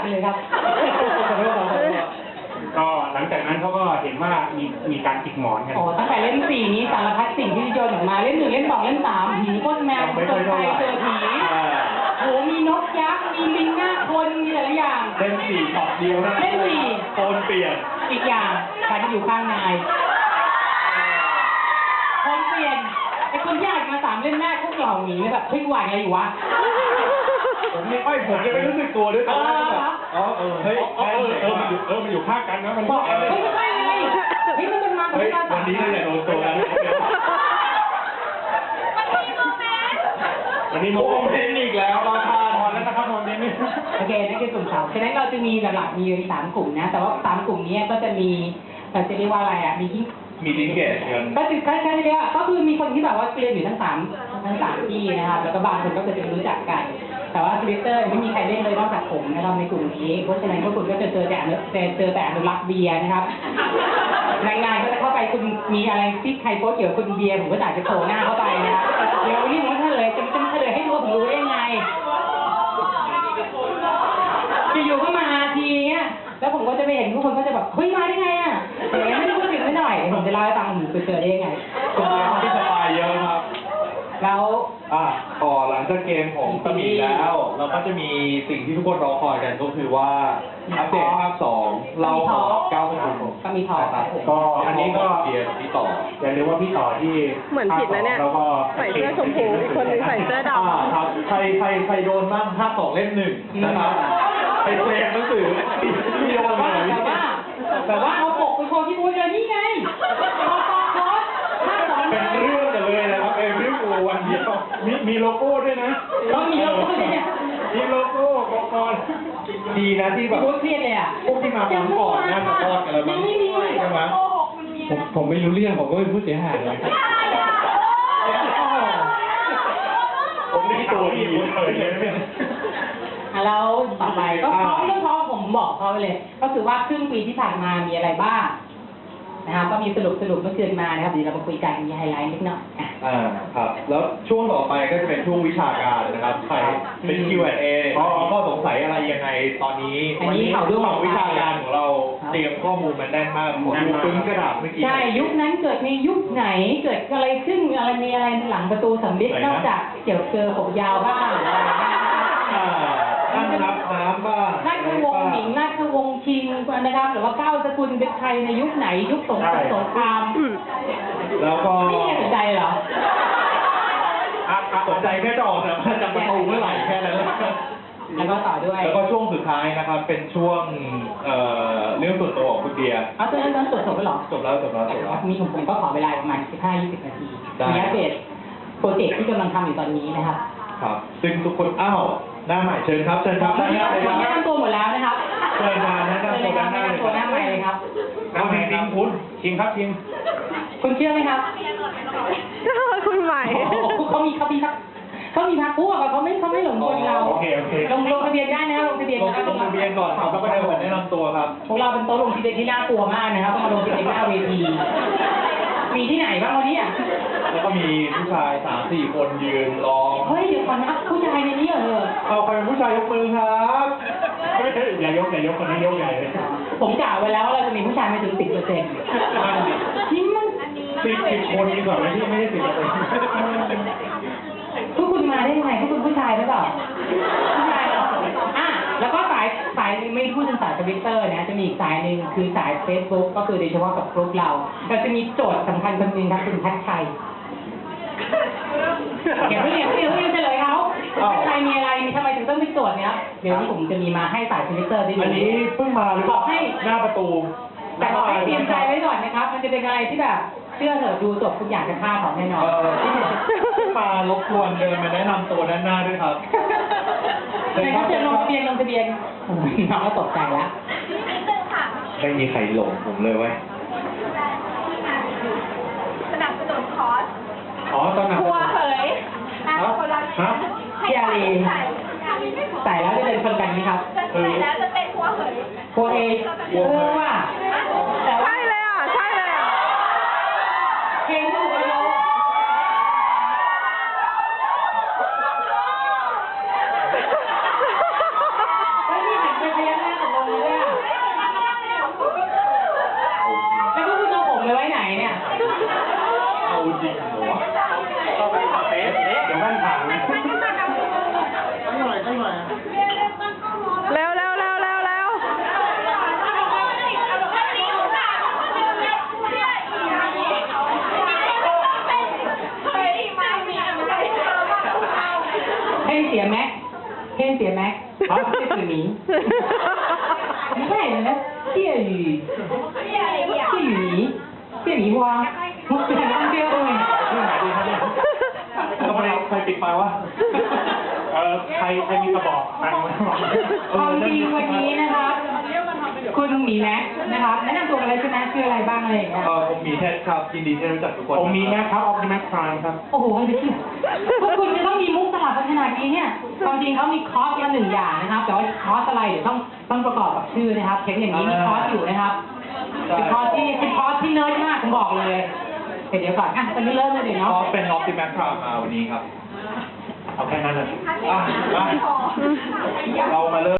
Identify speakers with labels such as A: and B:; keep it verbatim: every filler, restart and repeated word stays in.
A: เลยครับ
B: ก็หลังจากนั้นเขาก็เห็นว่ามีมีการจิกหมอนกัน
A: โอ้ตั้งแต่เล่นสี่นี้สารพัดสิ่งที่โยนออกมาเล่นหนึ่งเล่นสองเล่นสามผีก้นแมวเจอใครเจอผีโหมีนกยักษ์มีลิงหน้าคนมีหลายอย่าง
C: เล่นสี่ช็อตเดียวนะ
A: เล่นสี่
C: โอนเปลี่ยน
A: อีกอย่างฉันอยู่ข้างนายคนเปลี่ยนไอ้คนที่อ่านมาสามเล่นแรกพวกเหล่าหนีแบบเฮ้ยหวานอะไรอยู่วะ
C: ผมนี่ไม่ผมยังไม่รู้สึกตัวด้วยตอนแรกแบบอ๋อเออเฮ้ยเออเออมันอยู่เออมันอยู่ข้างกันนะมัน
A: บอกเฮ้ยไม่ใช่ไงเฮ้ยมันเป็นมากับ
C: ไม่
A: กา
C: วันนี้เราจะโดนตัวกันวันนี้โมเมนต์อีกแล้วราคาทอนแล้วนะครับตอนนี้นี่
A: โอเคนั่นคือกลุ่มสาวฉะนั้นเราจะมีหลักๆมีสามกลุ่มนะแต่ว่าสามกลุ่มนี้ก็จะมีเราจะเรียกว่าอะไรอ่ะมีที่
C: มีลิงเกจกัน
A: ก็คือใกล้ๆเรียกก็คือมีคนที่แบบว่าเรียนอยู่ทั้งสามทั้งสามที่นะครับแล้วก็บางคนก็จะรู้จักกันแต่ว่าทวิตเตอร์ไม่มีใครเล่นเลยนอกจากผมนะครับในกลุ่มนี้เพราะฉะนั้นพวกคุณก็จะเจอแต่เจอแต่อนุรักษ์เบียร์นะครับรายงานก็จะเข้าไปคุณมีอะไรที่ใครโพสเกี่ยวกับคุณเบียร์ผมก็อาจจะโผล่หน้าเข้าไปนะครับเดี๋ยววันนี้ผมจะเฉลยจะจะเฉลยให้รู้ว่าผมรู้ได้ยังไงอยู่ๆก็มาทีเงี้ยแล้วผมก็จะไปเห็นทุกคนก็จะแบบเฮ้ยมาได้ไงอ่ะอย่างเงี้ยไม่ได้พูดถึงไม่หน่อยผมจะเล่าให้ฟังผมไปเจอได้ยังไง
C: ก็ที่สบายเยอะครับ
A: แล้ว
C: อ่ะต่อหลังจากเกมของสมีแล้วเราก็จะมีสิ่งที่ทุกคนรอคอยกันก็คือว่าอัปเดตภาคสองเราเก้าคน
A: ก็มีทอครับ
B: ก็อันนี้ก็
C: เดียร์พี่ต่อ
B: อย่าลืมว่าพี่ต่อที่
D: เหมือนผิดนะเนี่ยใส่เสื้อชมพูอีกคนนึงใส่เสื้อดำ
C: ครับใครใครใครโดนบ้างภาคสองเล่มหนึ่งนะครับไปเคลมหนังสือที่โดนมา
A: แต่ว่าแต่ว่าเอาปกไปโชว์ที่บูธเลยนี่ไงพอตอคอสภาคสอง
C: เป็นเรื่องกันเลยนะครับเอวิวโกวันเดียวมีมีโลโก้ด้วยนะ
A: ต้องมีโลโก้ด้วยเนี่ย
C: มีโลโก้ก่อนดีนะที่แบบ
A: บูธเครียดเลยอ่ะ
C: พวกที่มาฟังก่อนน่าจะรอดกันแล้วมั้งใช่ไหมผมผมไม่รู้เรื่องผมก็เป็นผู้เสียหายเลยผมนี่ตัวดีเลยเนี่ย
A: แล้วต่อไปก็เพราะเรื่องเพราะผมบอกเขาไปเลยก็คือว่าครึ่งปีที่ผ่านมามีอะไรบ้างนะครับก็มีสรุปสรุปเมื่อคืนมานะครับเดี๋ยวเรามาคุยกันมีไฮไลท์นิดหน่อย
C: อ่าครับแล้วช่วงต่อไปก็จะเป็นช่วงวิชาการนะครับใครเป็น คิว แอนด์ เอ มีข้อสงสัยอะไรยังไงตอนนี้
A: วันนี้เขาดู
C: ของวิชาการของเราเตรียมข้อมูลมันแน่นมากผมดูปึ้งกระดาษเมื่อกี้
A: ใช่ยุคนั้นเกิดในยุคไหนเกิดอะไรขึ้นอะไรมีอะไรหลังประตูสำลิดนอกจากเกี่ยวเกลือผมยาวบ้างอะไร
C: นั่งนับน้ำบ้าง
A: ราชวงศ์หญิงราชวงศ์ชิงนะครับหรือว่าเก้าสกุลเป็นใครในยุคไหนยุคสงคราม
C: แล้วก็
A: ไม่สนใจเหรอ
C: สนใจแค่จะออกแต่ว่าจะประตูเมื่อไหร่แค่นั้น
A: แล้วก็ต่อด้วย
C: แล้วก็ช่วงสุดท้ายนะครับเป็นช่วงเอ่อเรื่องส่วนตัวของคุณเดีย
A: อ๋อตอนนั้นจบจบแล้วเหรอ
C: จบแล้วจบแล้วจบแล้ว
A: มีผมผมก็ขอเวลาประมาณสิบห้า ยี่สิบนาทีมีอัปเดตโปรเจกต์ที่กำลังทำอยู่ตอนนี้นะครับ
C: ครับซึ่งทุกคนอ้าวหน้าใหม่เชิญครับเชิญครับ
A: หน้าใหม่เลยครับแนะนำตัวหมดแล้วนะครับ
C: เชิญมาแนะนำตัวหน้า
A: ตัวหน้าใหม่เลยครับ
C: น้ำใหม่ครับคุณชิงครับชิง
A: คุณเชื่อไหมครับ
D: คุณใหม่
A: เขามีเขามีครับเขามีพักพวกเขาไม่เขาไม่หลงกลเรา
C: โอเคโอเค
A: ลงลงทะเบียนได้นะลงทะเบียน
C: ลงทะเบียนก่อนครับแล้วก็ได้ผมแนะนำตัวครับ
A: พวกเราเป็นโต๊ะลงทะเบียนที่น่ากลัวมากนะครับต้องมาลงทะเบียนหน้าเวทีมีที่ไหนบ้างวันนี้อ่ะ
C: แล้วก็มีผู้ชายสามสี่คนยืนรอ
A: เฮ้ยเดี๋ยวก่อนนะผู้ชายในนี้เหรอ
C: เอาใครเป็นผู้ชายยกมือครับ
B: อย่ายกอย่ายกคนนี้ยกใหญ่เลย
A: ผมกล่าวไว้แล้วว่าเราจะมีผู้ชายไม่ถึงสิบเปอร์เซ็นต์
C: ที่มันสิบสิบคนดีกว่าไหมที่ไม่ได้สิบเปอร์เซ็นต์
A: พวกคุณมาได้ยังไงพวกคุณผู้ชายหรือเปล่าผู้ชายเหรออ่ะแล้วก็สายสายไม่พูดถึงสายทวิตเตอร์นะจะมีอีกสายหนึ่งคือสาย Facebook ก็คือโดยเฉพาะกับกลุ่มเราเราจะมีโจทย์สำคัญคนหนึ่งครับคุณพัชชัยเดี๋ยวเดี๋ยวเดี๋ยวเดี๋ยวจะเลยเขาพัชชัยมีอะไรมีทำไมถึงต้องมีโจทย์เนี้ยเดี๋ยวนี้ผมจะมีมาให้สายทวิตเตอร์ได้ดู
C: อันนี้เพิ่งมาหรือเปล่า
A: ให้
C: หน้าประตู
A: แต่ขอให้เตรียมใจไว้ก่อนนะครับมันจะเป็นอะไรที่แบบเชื่อเถอะดูจบทุกอย่างจะฆ่าของแน่นอน
C: มารบกวนเดินมาแนะนำตัวด้านหน้าด้วยครับ
A: ในเขาจะลงทะเบียนลงทะเบียนน้องก็ตกใจแล้ว
C: ไม่มีใครหลงผมเลยเว้ย
E: สนับสนุนคอร์ส
C: อ๋อตอนนั้น
E: หัวเผย
C: ครับ
A: พี่อารีใส่แล้วจะเป็นคนกันไหมครับ
E: ใส่แล้วจะเป็นหัวเผย
A: หัวเอเออว่า
D: แต่ใช่เลยอ่ะใช่เลยอ่ะ
A: เพลงถูกแล้วไม่มีหันไปพยักหน้าวะมุกเป็นต้องเที่ยวเลย
B: เรื่องไหนดีครับเนี่ย
C: ทำไมใครปิดไฟวะ
B: เออใครใครมีกระบอกตังค์ไหม
A: ความจริงวันนี้นะครับคุณหมีแม็กนะครับแนะนำตัวกันเลยใช่ไหมชื่ออะไรบ้างอะไรอย่างเงี้ย
C: เออผมมีเทสครับยินดีที่ได้รู้จักทุกคน
B: ผมมีแม็กครับออปติมัสพรามครับ
A: โอ้โหไม่เชื่อพวกคุณจะต้องมีมุกตลาดขนาดนี้เนี่ยความจริงเขามีคอร์สละหนึ่งอย่างนะครับ แต่ว่าคอร์สอะไรเดี๋ยวต้องต้องประกอบกับชื่อนะครับเห็นอย่างนี้มีคอร์สอยู่นะครับเป็นคอร์สที่เป็นคอร์สที่เนิร์ดมากผมบอกเลยเดี๋ยวก่อนอ่ะตอนนี้เริ่มเลยเดี๋ยว
C: อ๋อ
A: เนาะ
C: เป็นออปติมัสพรามมาวันนี้ครับ
B: เอาแค่นั้นเลย
C: อ่ะมาเรามาเริ่ม